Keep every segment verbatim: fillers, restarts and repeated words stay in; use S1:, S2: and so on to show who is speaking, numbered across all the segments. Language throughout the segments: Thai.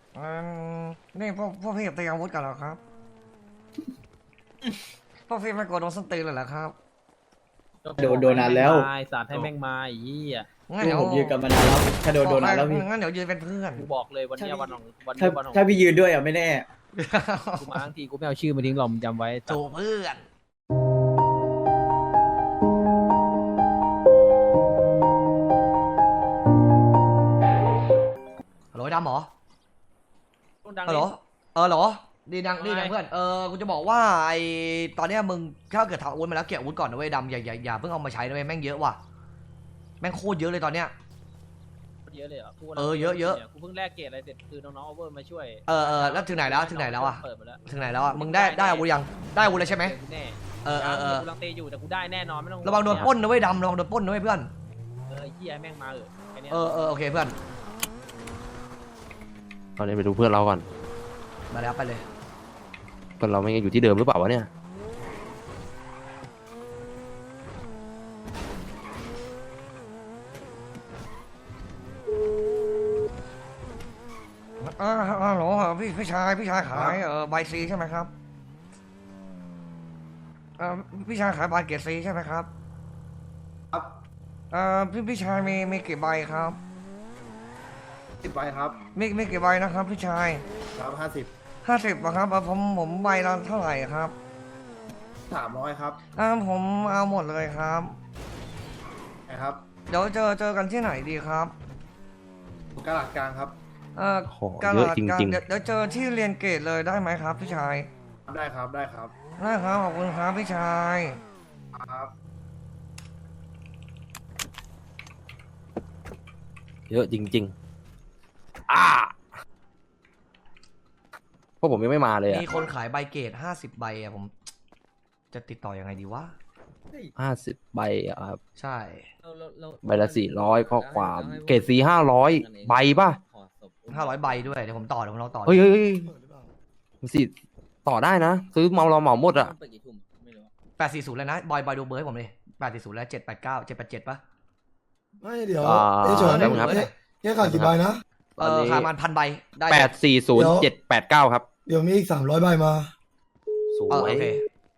S1: อืมนี่พวกพวกพี่เตรียมอาวุธกันแล้วครับพวกพี่ไม่กลัวโดนส้นตีนเลยเหรอครับ
S2: โดนโดนนานแล้ว
S3: ไอ้สัตว์ให้แม่งมาไอ้ยี่อ่ะ
S1: งั้น
S2: พว
S1: เดี๋
S2: ก
S1: ยว
S2: ผมยืนกันมานานแล้วถ้าโดนโดนนานแล้วพี่
S1: งั้นเดี๋ยวยืนเป็นเพื่อน
S3: กูบอกเลยวันเนี้ยวันของวัน
S2: ถ้า
S3: นี้วันของ
S2: ถ้าพี่ยืนด้วยอ่ะไม่แน่
S3: กูมาทั้งทีกูไม่เอาชื่อมาทิ้งหรอกมึงจำไว้
S1: ถูกเพื่อนฮัลโหลไอ้ดำเหรอ
S3: ดัง
S1: ฮัลโหลเออเหรอดีดังดีดังเพื่อนเออกูจะบอกว่าไอตอนเนี้ยมึงถ้าเกิดทำอาวุธมาแล้วเก็บอาวุธก่อนนะเว้ยดำอย่าอย่าอย่าเพิ่งเอามาใช้นะเว้ยแม่งเยอะว่ะแม่งโคตรเยอะเลยตอนเนี้ย
S3: เยอะเลยเหรอกู
S1: เออเยอะเยอะ
S3: กูเพิ่งแลกเกรดอะไรเสร็จคือน้องๆเอาเวอร์มาช่วย
S1: เออเออแล้วถึงไหนแล้วถึงไหนแล้วอะ
S3: เปิดมาแล้ว
S1: ถึงไหนแล้วอ่ะมึงได้ได้อาวุธยังได้อาวุธแล้วใช่ไหม
S3: แน่
S1: เออเออเออ
S3: กูลังเตอยู่แต่กูได้แน่นอนไม่ต้อง
S1: ระวังโดนปล้นนะเว้ยดำระวังโดนปล้นนะเว้ยเพื่อน
S3: เออไอ้เหี้ยแม่งมาเออแค่เนี้ย
S1: เออเออโอเคเพื่อน
S4: ตอนนี้ไปดูเพื่อนเราก่อน
S1: มาแล้วไปเลย
S4: เพื่อนเราไม่ยังอยู่ที่เดิมหรือเปล่าวะเนี่ย
S1: อ่าฮัลโหลพี่พี่ชายพี่ชายขายเออใบซีใช่ไหมครับเออพี่ชายขายใบเกรดซีใช่ไหมครับ
S5: ครับ
S1: เออพี่พี่ชายมีมีกี่ใบครับ
S5: สิบใบครับ
S1: มีมีกี่ใบนะครับพี่ชาย
S5: ครับห้าสิบ
S1: ห้าสิบครับเออผมผมใบละเท่าไหร่ครับ
S5: สามร้อยครับ
S1: อ่าผมเอาหมดเลยครับ
S5: นะครับ
S1: เดี๋ยวเจอเจอกันที่ไหนดีครับ
S5: กระดาษกลางครับ
S1: เออ
S4: โอ้
S1: การ
S4: เยอะ
S1: ลาด
S4: จ
S1: การ
S4: ริง
S1: เดี๋ยวเดี๋ยวเจอที่เรียนเกรดเลยได้ไหมครับพี่ชาย
S5: ได้ครับได้ครับ
S1: ได้ครับขอบคุณครับพี่ชาย
S5: ครับ
S4: ๆ เยอะจริงๆอ่าพวกผมยังไม่มาเลยอะ
S1: มีคนขายใบเกรดห้าสิบใบอะผม จะติดต่อยังไงดีวะ
S4: ห้าสิบใบอะครับ
S1: ใช่
S4: ใบละสี่ร้อยข้อความเกรดสีห้าร้อยใบป่ะ
S1: ห้าร้อยใบด้วยเดี๋ยวผมต่อเดี๋ยวผมลองต่อ
S4: เฮ้ยเฮ้ยเฮ้ยสิต่อได้นะ ซื้อเมาเราเหมาหมดอะ
S1: แปดสี่ศูนย์เลยนะบอยบอยดูเบอร์ให้ผมเลยแปดสี่ศูนย์แล้วเจ็ดแปดเก้าเจ็ดแปดเจ็ดป่ะ
S6: ไม่เดี๋ยว
S4: อ่า
S6: ไอ้โจ
S4: แป๊
S6: นี่
S4: บนึงครับ
S6: เนี่ยเนี่ยขาดกี่ใบนะ
S1: เออขายมันพันใบได้
S4: แปดสี่ศูนย์เจ็ดแปดเก้าครับ
S6: เดี๋ยวมีอีกสามร้อยใบมา
S4: ส
S1: เออ
S4: วย
S1: โอเค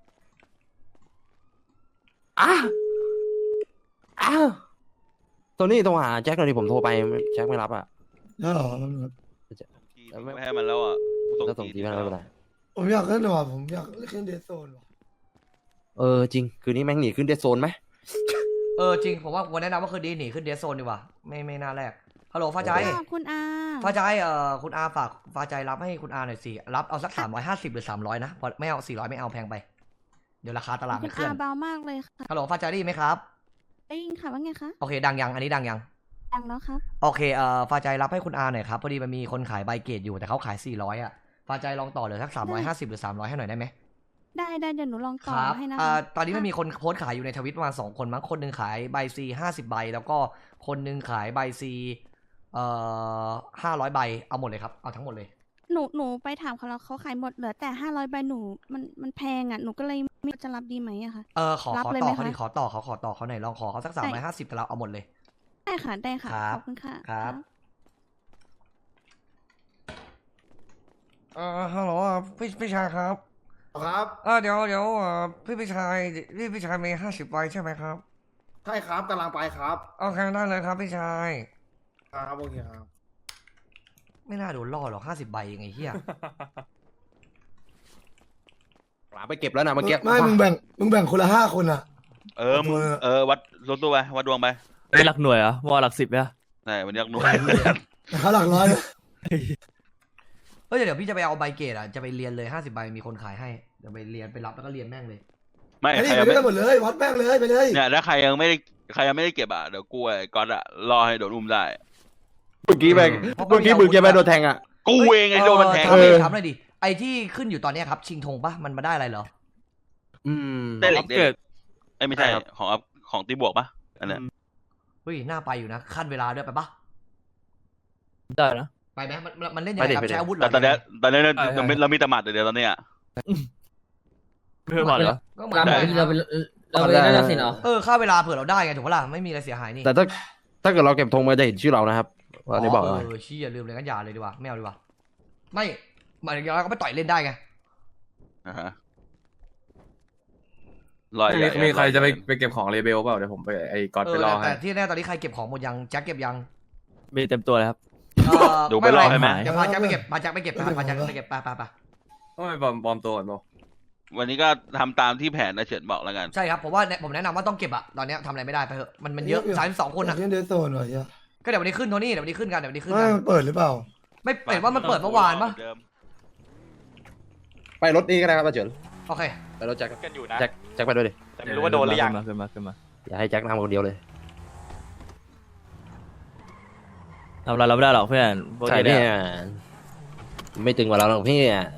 S4: อ่ะอ้าวตัวนี้โทรหาแจ็คหน่อยดิผมโทรไปแจ็คไม่รับอะ
S6: ได้เหรอแป๊บนึงครับ
S7: ไม่ให้มันแล้วอ่ะ
S4: ถ้าส่งทีไม่เป็นไร
S6: ผมอยากเล่นหน่อยว่ะผมอยากเล่นเดซโซนว่ะ
S4: เออจริง คืนนี้แม่งหนีขึ้นเดดโซนไหม
S1: เออจริงผมว่าวันแนะนำว่าคือดีหนีขึ้นเดสโซนดีกว่าไม่ไม่น่าแรกฮัลโหลฟ้าใจ
S8: ขอบคุณอา
S1: ฟ้าใจเอ่อคุณอาฝากฟ้าใจรับให้คุณอาหน่อยสิรับเอาสักสามร้อยห้าสิบหรือสามร้อยนะพอไม่เอาสี่ร้อยไม่เอาแพงไปเดี๋ยวราคาตลาด
S8: คุ
S1: มัน
S8: ณ
S1: เคลื่อ
S8: อาน เบามากเลยค่ะ
S1: ฮัลโหลฟ้าใจได้ยินไหมครับ
S8: ได้ยินค่ะว่าไงคะ
S1: โอเคดังยังอันนี้ดังยัง
S8: ดังแล้วครับ
S1: โอเคเอ่อฟ้าใจรับให้คุณอาหน่อยครับพอดีมันมีคนขายใบเกรดอยู่แต่เขาขายสี่ร้อยอ่ะฟ้าใจลองต่อเหลือสักสามร้อยห้าสิบหรือสามร้อยให้หน่อยได้ไหม
S8: ได้ได้เดี๋ยวหนูลอง
S1: ค
S8: ต่อ
S1: รับ
S8: ให้นะ
S1: อ่า
S8: คะ
S1: ตอนนี้มันมีคนโพสต์ขายอยู่ในทวิตประมาณสองคนมั้งคนหนึ่งขายใบซีห้าสิบใบแล้วก็คนหนึ่งขายใบซีเอ่อห้าร้อยใบเอาหมดเลยครับเอาทั้งหมดเลย
S8: หนูหนูไปถามเขาแล้วเขาขายหมดเหลือแต่ห้าร้อยใบหนูมันมันแพงอ่ะหนูก็เลยไม่รู้จะรับดีไหมอะค่ะ
S1: เออขอ
S8: รับ
S1: ขอ
S8: เลย
S1: ต่
S8: ไห
S1: อ
S8: ม
S1: เขา
S8: คะ
S1: ดิขอต่อเขาขอต่อเขาหน่อยลองขอเขาสักสามร้อยห้าสิบแต่เราเอาหมดเลย
S8: ได้ค่ะได้ค่ะ
S1: ครับ
S8: ขอบคุณค่ะ
S1: ครับ เออฮัลโหลอ่ะพี่พี่ชายครับ
S5: ครับ
S1: เออเดี๋ยวเดี๋ยวเอ่อพี่พี่ชายพี่พี่ชายมีห้าสิบใบใช่ไหมครับ
S5: ใช่ครับกำลังไปครับ
S1: โอเคได้เลยครับพี่ชาย
S5: ครับโอเคครับ
S1: ไม่น่าโดนล่อหรอกห้าสิบใบยังไงเฮีย
S4: หลาไปเก็บแล้วนะเมื่อกี้
S6: ไม่มึงแบ่งมึงแบ่งคนละห้าคนอ่ะ
S7: เออมึงเออวัดลดตัวไปวัดดวงไป
S3: ได้หลักหน่วยเหรอว่าหลักสิบเนี่ย
S7: ใช่วันนี้หน่วย
S6: แต่เขาหลักร้อยนะ
S1: เฮ้ยเดี๋ยวพี่จะไปเอาใบเกรดอ่ะจะไปเรียนเลยห้าสิบใบมีคนขายให้เดี๋ยวไปเรียนไปรับแล้วก็เรียนแม่งเลย
S7: ไม่
S6: ไอ้
S7: ใค
S6: นี่
S7: ร
S6: ไป
S7: ยัง
S6: ด้วย
S7: ไม่
S6: กันหมดเลยวัดแม่งเลยไปเลย
S7: เนี่ยถ้าใครยังไม่ได้ใครยังไม่ได้เก็บอ่ะเดี๋ยวกูไอ้ก๊อตอ่ะรอให้โดนอุ้มได้
S4: เมื่อกี้แม่งเมื่อกี้มึงแกแม่งโดนแทงอะ
S7: กูเองไอ้โดนมันแทง
S1: ถามเลย
S4: เออ
S1: ถามเลยดิไอที่ขึ้นอยู่ตอนเนี้ยครับชิงธงปะมันมาได้อะไรเหรอ
S4: อืม
S7: ได้เหล็กเกิดไอ้ไม่ใช่
S4: ใช่ครับ
S7: ของอัพของตีบวกปะอันเนี้ย
S1: เฮ้ยน่าไปอยู่นะขั้นเวลาด้วยไปปะ
S3: ได้นะ
S1: ไปไหมมันมันมันเล่นยังไงครับใช้อาวุธเหร
S7: แต่
S1: อ
S7: ตอนเนี้ยตอนเนี้ย
S3: ใช่ใช่
S7: เราไม่เรามีแตหมัดเดี๋ยวตอนเนี้ย
S3: เพื่อนบอกเหรอ
S1: ก็เหมือนได้
S3: เราไปเราไปนั่นนะสิเนาะ
S1: เออค่าเวลาเผื่อเราได้ไงถูกปะล่ะไม่มีอะไรเสียหายนี่
S4: แต่ถ้าถ้าเกิดเราเก็บธงมาจะเห็นชื่อเรานะครับว่านี่บอก
S1: เอ
S4: เลย
S1: อชี้อย่าลืมเลยงั้นอย่าเลยดีกว่าไม่เอาดีกว่าไม่หมายถึงเราก็ไปต่อยเล่นได้ไง
S7: อ่าฮะลอย
S9: มี
S7: ใหญ่
S9: มีใครจะไป
S7: ลอยใหญ่
S9: ไปเก็บของเลเบลเปล่าเดี๋ยวผมไปไอ้ก๊อต
S1: เอ
S9: ไป
S1: อ
S9: รอ
S1: แต่
S9: ให้
S1: แต่ที่แน่ตอนนี้ใครเก็บของหมดยังแจ็คเก็บยัง
S3: มีเต็มตัวเลยครับ
S1: เออ
S7: ดูไปรอให้ไหม
S1: เดี๋ยวพาแจ็คไปเก็บพาแจ็คไปเก็บพาแจ็คไปเก็บไปไปไป
S9: ต้องไปปลอมปลอมตัวก่อนเปล่า
S7: วันนี้ก็ทำตามที่แผนนะเฉินบอกแล้วกัน
S1: ใช่ครับผมว่าผมแนะนำว่าต้องเก็บอะตอนเนี้ยทำอะไรไม่ได้ไปเถอะมันมันเยอะสามสิบสองคนอะ
S6: เล่นเดสโซนว่ะเฮีย
S1: ก็เดี๋ยววันนี้ขึ้นโทนี่เดี๋ยววันนี้ขึ้นกันเดี๋ยววันนี้ขึ้น
S6: ไม่
S1: กัน
S6: มันเปิดหรือเปล่า
S1: ไม่เห็นว่ามันเปิดเมื่อวานปะ
S7: เดิม
S4: ไปรถนี้ก็ได้ครับอาเฉิน
S1: โอเค
S4: ไปรถแจ็ค
S10: กันอยู่นะ
S4: แจ็คแจ็คไปด้วยดิ
S10: แต่ไม่รู้ว่าโดนหรือยัง
S3: ขึ้นมาขึ้นมาขึ้นมา
S4: อย่าให้แจ็คนำคนเดียวเลย
S3: ทำอะไรเราไม่ได้หรอกเพื่อนพวก
S4: ใช่
S3: นี้
S4: เนี่
S3: เนี่ย ย
S4: ไม่ตึงกว่าเราหรอกพี่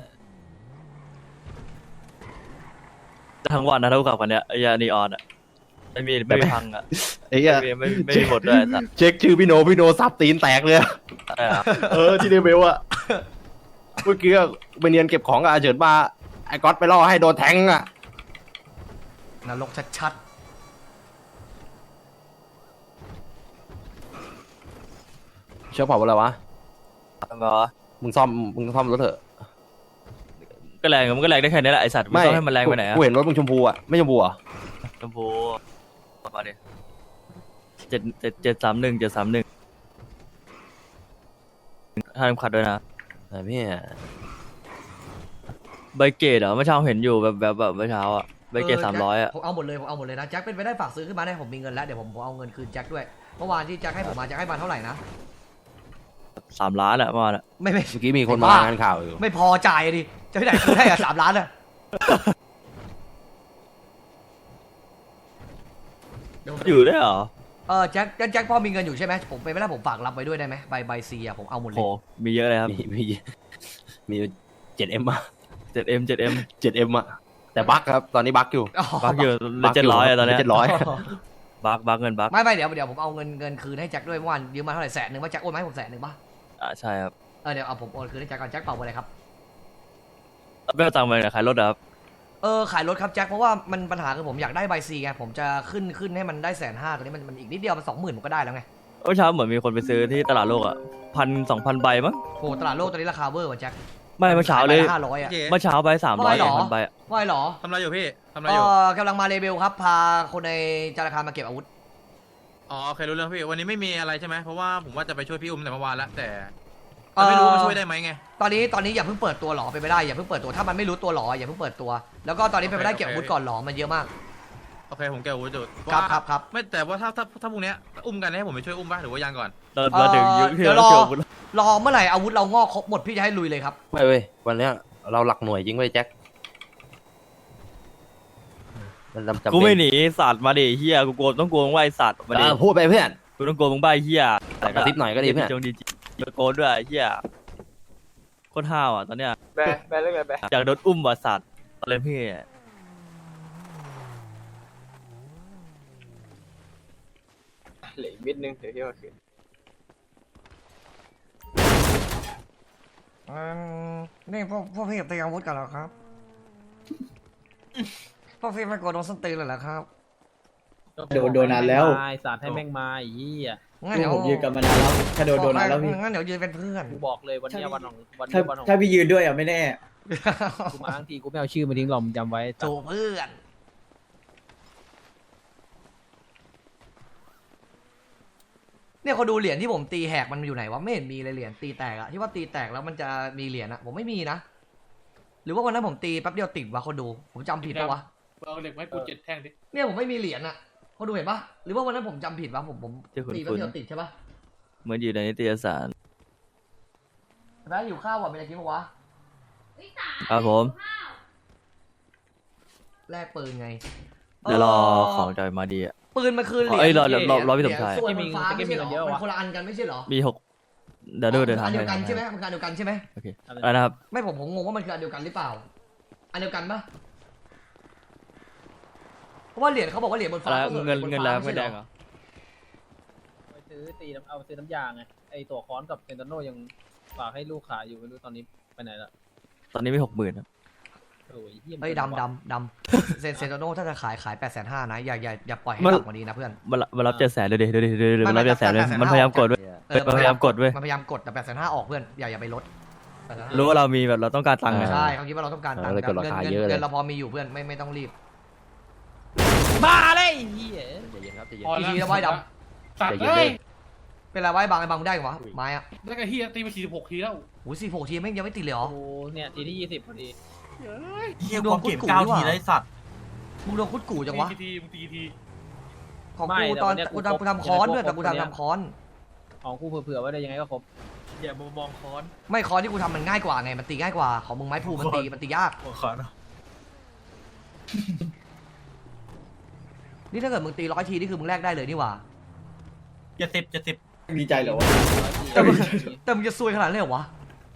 S3: ทั้งวันนะเท่ากับกันเนี้ยไอ้ยานีออนอ่ะไม่มีไม่มีพังอ่ะ
S4: ไอ้เหี้ย
S3: ไม่มีไม่ไม่มีบทด้วยไอ้สัตว์
S4: เช็คชื่อพี่โนพี่โนซับตีนแตกเลยอะ
S3: ใช่ครับ
S4: เออที่เดเบลอะเมื่อกี้ก็ไปเนียนเก็บของกับอาเฉินมาไอ้ก๊อตไปล่อให้โดนแทงอะ
S1: นรกชัด
S4: เชื่อเปล่าว่าอะไรวะ
S3: ทำไมวะ
S4: มึงซ่อมมึงซ่อมรถเถอะ
S3: ก็แรงมันก็แรงได้แค่นี้แหละไอสัตว์ไม่ต้องให้มันแรงไปไหนอะ
S4: กูเห็นรถมึงชมพูอะไม่ชมพูอะ
S3: ชมพูมาดิเจ็ดเจ็ดเจ็ดสามหนึ่งเจ็ดสามหนึ่งห้ามขัดด้วยนะ
S4: ไอ้พี่
S3: ใบเกตเหรอเมื่อเช้าเห็นอยู่แบบแบบแบบเมื่อเช้าอ่ะ
S1: ๆ
S3: ใบเกตสามร้อยอ่ะ
S1: ผมเอาหมดเลยผมเอาหมดเลยนะแจ็คเป็นไปได้ฝากซื้อขึ้นมาได้ผมมีเงินแล้วเดี๋ยวผมผมเอาเงินคืนแจ็คด้วยเมื่อวานที่แจ็คให้ผมมาแจ็คให้มาเท่าไหร่นะ
S3: สามล้านอ่ะประมาณอ่ะ
S1: ไม่ไม่
S4: เมื่อกี้มีคนมางานข่าวอยู่
S1: ไม่พอจ่ายดิจะที่ไหนคืนให้อะสามล้านอะเดี๋ยวผม
S3: อยู่ได้วยเหรอ
S1: เออแจ็คแจ็คแจ็คพ่อมีเงินอยู่ใช่ไหมผมไปไม่ได้ผมฝากรับไปด้วยได้ไหมใบใบซีอะผมเอาหมดเล
S3: โห
S1: ย
S3: มีเยอะเลยครับ
S4: มีมีมีเจ็ดเอ็มอะ
S3: เจ็ดเอ็มเจ็ดเอ็ม
S4: เจ็ดเอ็มอะแต่บั๊กครับตอนนี้บั๊กอยู่
S3: บักอยู่เจ็ดร้อยอะตอนเนี้ย
S4: เจ็ดร้อย
S3: บักบักเงินบัก
S1: ไม่ไม่เดี๋ยวเดี๋ยวผมเอาเงินเงินคืนให้แจ็คด้วยเมื่อวานยืมมาเท่าไหร่แสนหนึ่งว่าแจ็คโอนมาให้ผมแสนหนึ่งป่ะ
S3: อ่าใช่ครับ
S1: เออเดี๋ยวเอาผมโอนคืนให้แจ็คก่อนแจ็คเป่าไปเลยครับ
S3: ไม่เอาตังค์ไปขายรถเหรอครับ
S1: เออขายรถครับแจ็คเพราะว่ามันปัญหาคือผมอยากได้ใบซีไงผมจะขึ้นขึ้นให้มันได้แสนห้าตอนนี้มันมันอีกนิดเดียวมันสองหมื่นผมก็ได้แล้วไง
S3: เมื่อเช้าเหมือนมีคนไปซื้อที่ตลาดโลกอ่ะพันสองพันใบมั้ง
S1: โหตลาดโลกตอนนี้ราคาเวอร์ว่ะแจ็ค
S3: ไม่เมื่อเช้าเลย
S1: ห้าร้อยอะ
S3: เมื่อเช้าไปสามร้อย
S1: ว่าเหร
S3: ส
S1: อ
S3: องพันใบอะ
S1: ว่าไงเหรอ
S10: ทำอะไรอยู่พี่ทำอะไร
S1: เอ
S10: อยู่
S1: อกำลังมาเลเบลครับ พาคนในธนาคารมาเก็บอาวุธ
S10: อ๋อโอเครู้เรื่องพี่วันนี้ไม่มีอะไรใช่ไหมเพราะว่าผมว่าจะไปช่วยพี่อุ้มแต่เมื่อวานแล้วแต่แต่ไม่รู้ว่ามันช่วยได้ไหมไง
S1: ตอนนี้ตอนนี้อย่าเพิ่งเปิดตัวหรอไปนไม่ได้อย่าเพิ่งเปิดตัวถ้ามันไม่รู้ตัวหรออย่าเพิ่งเปิดตัว แล้วก็ตอนนี้เป็นไปได้
S10: โอเค
S1: เก็บอาวุธก่อนหรอมันเยอะมาก
S10: โอเคผมแกอาวุธจุด
S1: ครับ
S10: ว่า
S1: ครับครับ
S10: ไม่แต่ว่าถ้าถ้าถ้าพรุ่งเนี้ยอุ้มกันให้ผมไปช่วยอุ้มป่ะหรือว่ายังก่อน
S3: เราเราถึงยุคที่
S1: เดี๋ยวร
S3: เรา
S1: อ
S3: เกี่ยวกับ
S1: รอเมื่อไหร่อาวุธเรางอกครบหมดพี่จะให้ลุยเลยครับ
S4: ไม่เว้ยวันเนี้ยเราหลักหน่วยจริงเว้ยแจ็คมันจำเป็น
S3: กูไม่หนีสัตว์มาดิเฮียกูโกงต้องโกงว่าไอสัตว์มาดิ
S4: เออพูดไปเพื่อน
S3: กูต้องโกงมึงบ้าไอ้เฮีย
S4: แต่กระซิบหน่อยก็ดีเพื่อน
S3: จงดีจีโกงด้วยไอ้เฮียโคตรห้าวอ่ะตอนเนี้ย
S10: แบแบเรื่องอะไรแบ
S3: อยากโดนอุ้มว่ะสัตว์อะไรพี่
S10: เหลือมิดนึงเดี๋ยวที่ว่าคืน
S1: นี่พวกพวกพี่เตรียมอาวุธกันแล้วครับพวกพี่ไม่กลัวโดนส้นตีนเลยเหรอครับ
S2: โดนโดนนานแล้ว
S3: ไอสัตว์ให้แม่งมาไอ้เหี้ย
S1: งั้นเดี๋ยว
S2: ผมยืนกันมานานแล้วถ้าโดนโดนนานแล้วพี่
S1: งั้นเดี๋ยวยืนเป็นเพื่อน
S3: กูบอกเลยวันเนี้ยวันของวัน
S2: ถ้า
S3: เนี้ยวันของ
S2: ถ้าพี่ยืนด้วยอ่ะไม่แน่
S3: กูมาทั้งทีกูไม่เอาชื่อมาทิ้งหรอกมึงจำไว้
S1: จูเพื่อนเนี่ยเขาดูเหรียญที่ผมตีแหกมันอยู่ไหนวะไม่เห็นมีเลยเหรียญตีแตกอะที่ว่าตีแตกแล้วมันจะมีเหรียญอะผมไม่มีนะหรือว่าวันนั้นผมตีแป๊บเดียวติดวะคนดูผมจำผิดปะวะ
S10: เอาเหล็กไม้ปูเจ็ดแท่งดิ
S1: เนี่ยผมไม่มีเหรียญอะเขาดูเห็นปะหรือว่าวันนั้นผมจำผิดวะผมผม
S3: ที่คุณ
S1: ตีแป๊บ
S3: คุณ
S1: เดียวติดใช่ปะ
S3: เหมือนอยู่ในนิตยสาร
S1: แม่อยู่ข้าวว่ะเป็นอะไรกินปะวะ
S3: ครับผม
S1: แลกปืนไง
S3: เดี๋ยวรอของจอยมาดีอ่ะ
S1: ปืนมันคือเหรียญ
S3: เอ้ยรอรอรอรอพี่
S1: เห
S3: สมชาย
S1: ส่วนมันฟ้าไม่ใช่เหรอมันคนละอันกันไม่ใช่เหรอ
S3: มีหกเดี๋ยวดูเดี๋ยว
S1: อัน
S3: ทำ
S1: เดียวกัน
S3: ให้
S1: ใช่ไหมมันคืออันเดียวกันใช่ไหม
S3: โอเคอะไรนะครับ
S1: ไม่ผมผมงงว่ามันคืออันเดียวกันหรือเปล่า อันเดียวกันปะเพราะว่าเหรียญเขาบอกว่าเหรียญบน
S3: อะ
S1: ฟ้า
S3: ไร
S1: ก็คือ
S3: เงิน
S1: บ
S3: เงิน
S1: ฟ้า
S3: แล้ว
S1: ไม่
S3: เงิน
S1: ใช่
S3: แด
S1: เหรง อ
S3: เหรอ
S11: ไปซื้อตีน้ำเอาไปซื้อน้ำยาไงไอตัวค้อนกับเซนโตโนยังฝากให้ลูกขายอยู่ไม่รู้ตอนนี้ไปไหนละ
S3: ตอนนี้มีหกหมื่นครับ
S11: โอ้ยเหี้ย
S1: เฮ้ยดำดำดำเซนเซนโตโน่ถ้าจะขายขายแปดแสนห้านะอย่าอย่าอย่าปล่อยให้ต่ำกว่านี้นะเพื่อน
S3: มามารับเจ็ดแสนดูดิดูดิดูดิ
S1: ไม่
S3: มันรับ
S1: ไม่
S3: เจ็ดแสนเลย
S1: แต่
S3: มันพยายามกดเว้ย
S1: เออ
S3: มันพยายามกดเว้ย
S1: มันพยายามกดแต่แปดแสนห้าออกเพื่อนอย่าอย่าไปลด
S3: รู้ว่าเรามีแบบเราต้องการตังค์ไง
S1: ใช่เขาคิดว่าเราต้องการตังค์
S4: เออเลยกดราคา
S1: งิน
S4: เยอะเลย
S1: เงินเราพอมีอยู่เพื่อนไม่ไม่ต้องรีบ
S11: มาเลยไอ้เฮีย
S4: ใจเย็นครับใจเย็น
S1: กี่ทีแล้วไว้ด
S4: ใจเย็นเลย
S1: ำเป็นไรไว้บางไอ้บางได้เหรอวะไม้อะ
S5: แล้วก็เฮียตีไปสี่สิบหกทีแล้ว
S1: โอ้ยสี่หกทีไม่ยังไม่ติดเลยเหรอ
S11: โอ้เนี่ยทีที่ยี่สิบพอดี
S1: เฮียความเก็บเก้าทีได้สัตว์มึงโดนคุดกูจังวะ
S5: ทีมึงตีที
S1: ของกูตอนกูทำกูทำค้อนด้วยแต่กูทำทำค้อน
S11: ของกูเผื่อๆไว้เลยยังไงก็ครบ
S5: อย่ามมองค้อน
S1: ไม่ค้อนที่กูทำมันง่ายกว่าไงมันตีง่ายกว่าของมึงไม้พลูมันตีมันตียาก
S5: ค้อน
S1: นี่ถ้าเกิดมึงตีร้อยทีนี่คือมึงแลกได้เลยนี่หว่า
S5: เจ็ดสิบเจ็ดสิบ
S2: มีใจเหรอวะ
S1: แต่มึงแต่มึงจะซวยขนาดนั้นเลยเหรอวะ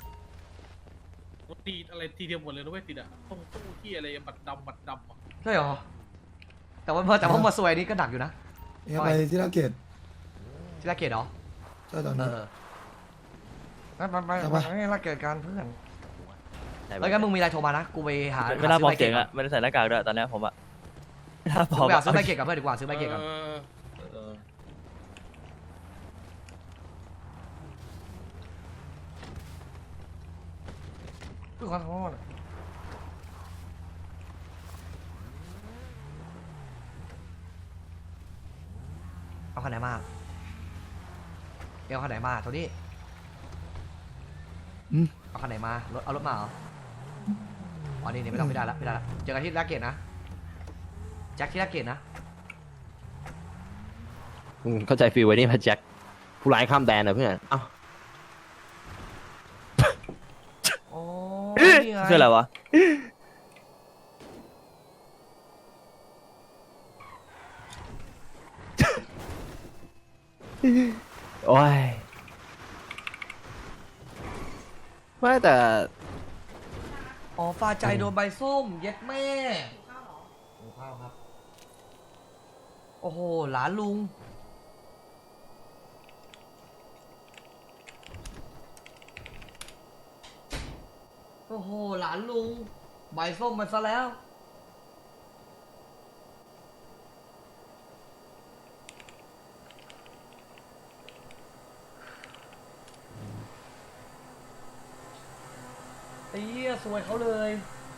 S5: ตีอะไรทีเดียวหมดเลยนะเว้ยติดอ่ะต้องตู้ที่อะไรบัดดำบัดดำอ่ะ
S1: ใช่เหรอแต่ว่าแต่ว่ามาซวยนี่ก็หนักอยู่นะ
S6: เนี่ยไปที่นาเกต
S1: ที่ละเกตเหรอ
S6: ใช่ตอน
S1: เอ
S6: นี้
S1: อไปไปไป
S6: เอาไป
S1: ไปละเกตการเพื่อนแล้วงั้นมึงมีอะไรโทรมานะกูไปหา
S3: ไม่น่าพร้อมเสียง
S1: หา
S3: อะไม่ได้ใส่หน้ากากด้วยตอนเนี้ยผมอะไม่น่าพ
S1: ซื้
S3: ร้
S1: อ
S3: อม
S1: ใบเกต
S3: อะ
S1: ซื้อใบเกตกับเพื่อนดีกว่าซื้อใบเกตกับ
S5: เออ
S1: ขอโทษเอาคันไหนมาเอาคันไหนมาโทนี่เอาคันไหนมารถเอารถมาเหรออ๋อนี่นี่ไม่ต้องไม่ได้ละไม่ได้ละเจอกันที่ลาเกตนะแจ็คที่ลาเกตนะ
S4: อืมเข้าใจฟีลไว้นี่มาแจ็คผู้ร้ายข้ามแดนนะเพื่อนเอ้า
S1: โอ้นี่ไง
S3: คืออะไรวะ
S4: โอ้ยไม่แต่
S1: อ๋อฟ้าใจโดนใบส้มเย็ดแม่หิวข้าวครับโอ้โหหลานลุงโอ้โหหลานลุงใบส้มมาซะแล้วไอ้เหี้ยสวยเขาเลย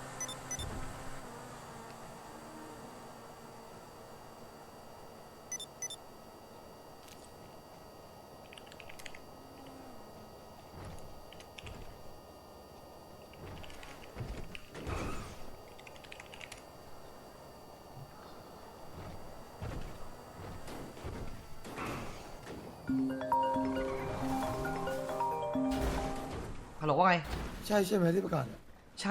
S1: ฮัลโหลว่าไง
S6: ใช่ใช่ไหมที่ประกาศอะ
S1: ใช่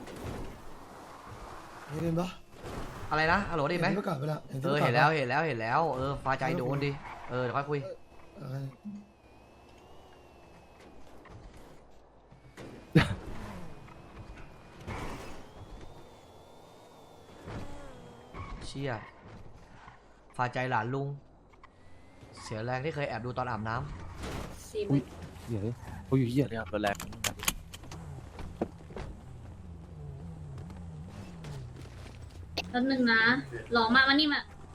S6: เห็นปะ
S1: อะไรนะฮัลโหลได้ไหม
S6: เห็นที่ประกาศไปแล้ว
S1: เออเห็นแล้วเห็นแล้วเห็นแล้วเออฟ้าใจโดนดิเออเดี๋ยวค่อยคุย
S6: เออ
S1: เชี่ยฟ้าใจหลานลุง เสียแรงที่เคยแอบดูตอนอาบน้ำ
S4: อุ้ยเดี๋ยวโอ้ยเหี้ย
S3: เนี่ยรถแรง
S8: แป๊บนึงนะหลองมาวันนี้มา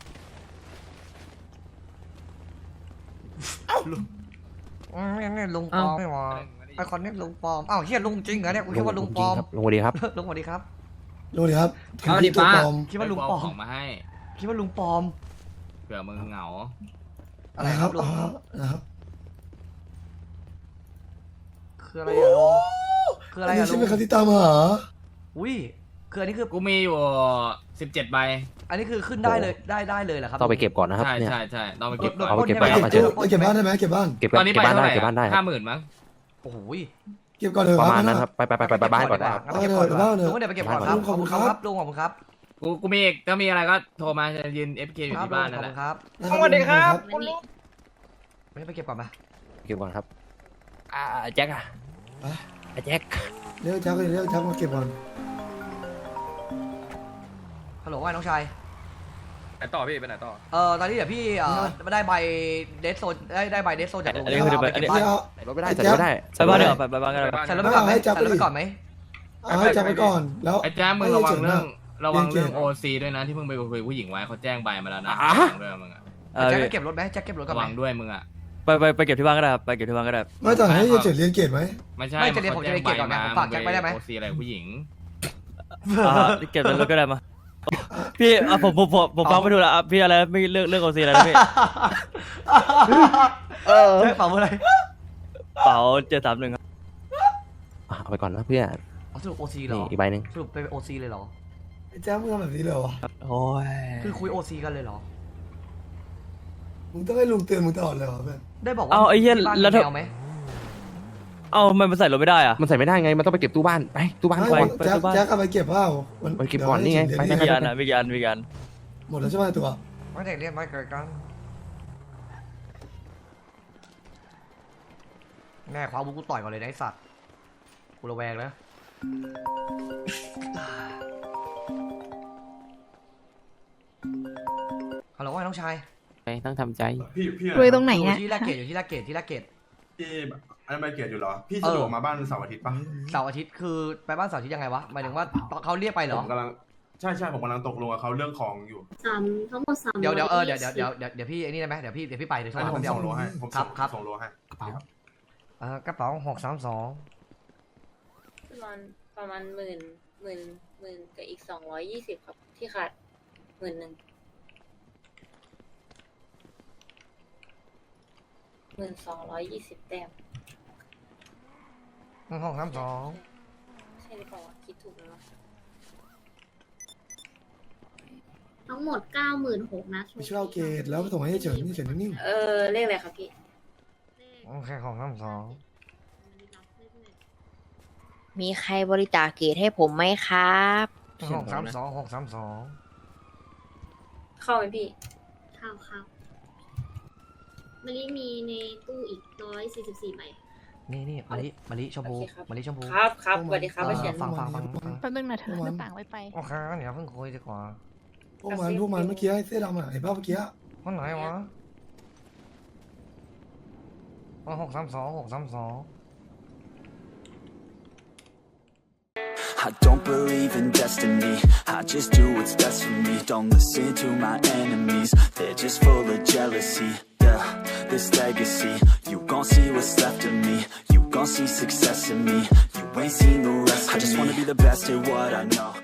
S1: อืมนี่นี่ลุงปลอมไม่หวะไอคอนนี่ลุงปลอมอ้าวเฮียลุงจริงเหรอเนี่ยกูคิดว่าลุงปลอม
S4: ลุงสวัสดีครับ
S1: ลุงสวัสดีครับ
S6: ดูดิครับ
S11: เอาดิ
S6: ตัว
S11: ป้า
S6: ปลอม
S1: คิดว่าลุงปลอม
S9: ของมาให้
S1: คิดว่าลุงปลอม
S9: เผื่อมึงเหงา
S1: อะไรครับลุง
S6: อ๋อนะครับ
S1: คืออะไรอะลุงคืออะไร
S6: อันนี้
S1: อะลุ
S6: ใช่
S1: ง
S6: ไหมครับที่ตามหา
S1: อุ้ยคืออันนี้คือ
S9: กูมีอยู่สิบเจ็ดใบ
S1: อันนี้คือขึ้นได้เลยได้ได้เลยเหรอครับ
S4: ต้องไปเก็บก่อนนะครับ
S9: ใช่
S4: เนี่ย
S9: ใช่ใช่ต้องไปเก็บก่อน
S4: เอาไปเก็บ
S1: ปล้น
S4: ก่อน
S1: ใช่หม
S4: มาเจอ
S6: ไปเก็บบ้านได้ไหมเก็บบ้าน
S4: เก็บ
S9: ตอนนี้
S4: เก็
S9: ไป
S4: บบ้าน
S9: เท่า
S4: ได้
S9: ไหร่
S4: เก็บบ้านได้ค
S9: ห้า
S4: รับ
S9: หมื่นมั้ง
S1: โอ้โห
S6: เก็บก่อนเถอะ
S4: ประมาณ
S6: ค
S4: นั้
S6: รับ
S4: นครับไปไปไปไปไปบ้านก่อนนะครับ
S1: งั้นไปเก็บก่อนดีกว่า
S6: เออเดี๋ยว
S1: ลุงก็เดี๋ยวไปเก็บก่อนครับ
S6: ขอบคุณครับ
S1: ลุงขอบคุณครับ
S9: กูกูมีอีกถ้ามีอะไรก็โทรมาจะยืน เอฟ เค อยู่
S1: ครับ
S9: ที่บ้าน
S1: ลุ
S9: นั่
S1: ง
S9: น
S1: ขอบ
S9: แห
S1: คุ
S9: ละ
S1: ณครับ
S6: สวัสดีครับ
S1: ไม่ได้ไปเก็บก่อนมา
S4: เก็บก่อนครับอ่าแจ็คอะ
S6: ไป
S4: อ่ะแจ็ค
S6: เรียกจักรเรียกจักรมาเก็บก่อน
S1: ฮัลโหลว่าไงน้องชาย
S9: ไปต่อพี่ไปไหนต่อ
S1: เออตอนนี้เดี๋ยวพี่เอ่อได้ใบเดสโซนได้ได้ใบเดสโซนจากลุง
S3: อันนี้
S1: แล้ว
S3: คือ
S1: เอาไป
S3: อัน
S1: เก็
S3: นี้
S1: บบ้าน
S6: เดี๋ยว
S4: รถไม่ได้
S6: ไอ้
S4: ใส่
S6: แจ็
S4: ร
S6: ค
S4: ถไม่ได้
S3: ไปบ้านเดี๋ยวาไปไปบ้านกันเลย
S1: ใส่รถไปก่อนไหม
S6: ให้จับ
S1: ใส่รถ
S6: ไป
S1: ไปก่อนไหม
S6: เอาให้จักรไปก่อนแล้ว
S9: ไอ้แจ๊คมึงระวังเรื่องระวังเรื่อง
S6: เรี
S9: โอย
S6: นเก่ง
S9: ซีด้วยนะที่มึงไปคุยกับผู้หญิงไว้เขาแจ้งใบมาแล้วนะ
S4: อ่ะ
S9: ระวังด้วยมึงอะ
S3: เออ
S1: แจ็คจะเก็บรถไหมแจ็คเก็บรถก่อน
S9: ระ
S1: ไหม
S9: วังด้วยมึงอะ
S3: ไปไปไปเก็บที่บ้านก็ได้ครับไปเก็บที่บ้านก็ได้
S6: ไม่แต่ให้เฉยเรียนเกรดไหม
S9: ไม่ใช่
S1: ไม่จะเรียนผมจะเรียนเกียรติก่อนไงผมฝากแจ็คไปได้ไหม
S9: โอซีอะไรกับผู้หญิง
S3: อ่าเก็บในรถก็ได้มาพี่อ่ะผมผมผมผมฟังไม่ถูกแล้วอ่ะพี่อะไรไม่เลือกเลือกโอซีอะไรนะพี่
S2: เออ
S1: ใช่เปล่าอะไร
S3: เป๋าเจ็ดสามหนึ่งครับ
S4: อ่ะเอาไปก่อนนะเพื่อน
S1: อ๋อสรุปโอซีเหร
S4: นี่
S1: อ
S4: อีกใบหนึ่ง
S1: สรุปไปโอซีเลยเหรอ
S6: ไอ้แจ๊คมึงทำแบบนี้เลยเหรอวะ
S3: โอ้ย
S1: คือคุยโอซีกันเลยเหรอ
S6: มึงต้องให้ลุงเตือนมึงตลอดเลยเหรอเพื่อน
S1: ได้บอกว่า
S3: เอาไอ้เหี้ย
S1: ที่บ้าน
S3: แล้ว
S1: มี
S3: ถ้า
S1: แมวไหม
S3: เอาทำไมมันใส่รถไม่ได้อ่ะ
S4: มันใส่ไม่ได้ไงมันต้องไปเก็บตู้บ้านไปตู้บ้าน
S6: ไม่
S4: ก่อน
S6: แจ๊ค
S3: ไปบ้าน
S6: แจ๊คเอาไปเก็บเปล่ามัน
S4: ไปเก็บก่อนนี่ไง
S6: เดี๋ยว
S4: ไป
S6: ให้
S3: มี
S6: เฉ
S3: กี่
S6: ย
S3: อันอ่ะมีกี่อันมีกี่อัน
S6: หมดแล้วใช่ไหมตัว
S1: ไม่ได้เรียนไม่เกิดกันแม่คว้าบุกกูต่อยก่อนเลยนะไอ้สัตว์กูระแวงแล้วฮัลโหลว่าไงน้องชาย
S4: ไปต้องทำใจ
S12: พี่พี่
S8: รวยตรงไหน
S1: อยู่
S8: อะ
S1: ที่ลาดเกตอยู่ที่ลาดเกตที่ลาดเกต
S12: พี่อันนั้นใบเกียรติอยู่เหรอ พี่
S1: เอ
S12: สะ
S1: อ
S12: ดวกมาบ้านเสาร์อาทิตย์ปะ
S1: เสาร์อาทิตย์คือไปบ้านเสาร์อาทิตย์ยังไงวะหมายถึงว่าเขาเรียกไปเหร
S12: ผ
S1: อ
S12: มกำลังใช่ใช่ผมกำลังตกลงกับเขาเรื่องของอยู่
S8: สามทั้งหมดสาม
S1: เดี๋ยวเดี๋ยวเออเดี๋ยวเดี๋ยวเดี๋ยวเดี๋ยวเดี๋ยวพี่ไอ้นี่ได้ไหมเดี๋ยวพี่เดี๋ยวพี่ไปเดี๋ยวโทร
S12: ให้
S1: หา
S12: ผม
S1: เดี๋ยว
S12: ส่งโลให้ผม
S1: ครั
S12: ส่
S1: บ
S12: ง
S1: ครับ
S12: ส่งโลให้
S4: กระเป๋า
S1: เออกระเป๋าหกสามสอง
S8: ประมาณประมาณหมื่นหมื่นหมื่นกับอีกสองร้อยยี่สิบครับที่ขาดหมื่นหนึ่งหมื่นสองร้อยยี่สิบแต้ม
S1: หกสามสอง
S8: ใช่หรือเปล่าวะคิดถูกแล้วทั้งหมดเก้าหมื่นหกนะ
S6: ไม่ใช่เอาเกรดแล้วส่งให้เฉยนี่เฉยนิ่ง
S8: เออเลขอะไรครับพี่
S1: โอเคหกสามสอง
S8: มีใครบริจาคเกรดให้ผมไหมครับ
S1: หกสามสองหกสามสอง
S8: เข้าไหมพี่ เข้าเข้ามาริมีในตู้อีกร้อยสี่สิบสี่ใบ
S1: นี่นี่มะลิมะลิชมพู
S8: โอเคครับ
S1: มะลิชมพู
S8: ครับครับสวัสดีครับ
S1: เออ
S8: เฉียน
S1: ฟังฟังฟังฟัง
S8: แป๊บนึงนะเธอหน้าต่างไว้ไป
S1: โอเคเดี๋ยวเพิ่งคุยดีกว่า
S6: ๆพวกมันพวกมันเมื่อกี้ไอ้เสื้อดำอ่ะเห็นป่ะเมื่อกี้
S1: วันไหนวะหกสามสองหกสามสอง
S13: I don't believe in destiny, I just do what's best for me. Don't listen to my enemies, they're just full of jealousy. Yeah, this legacy, you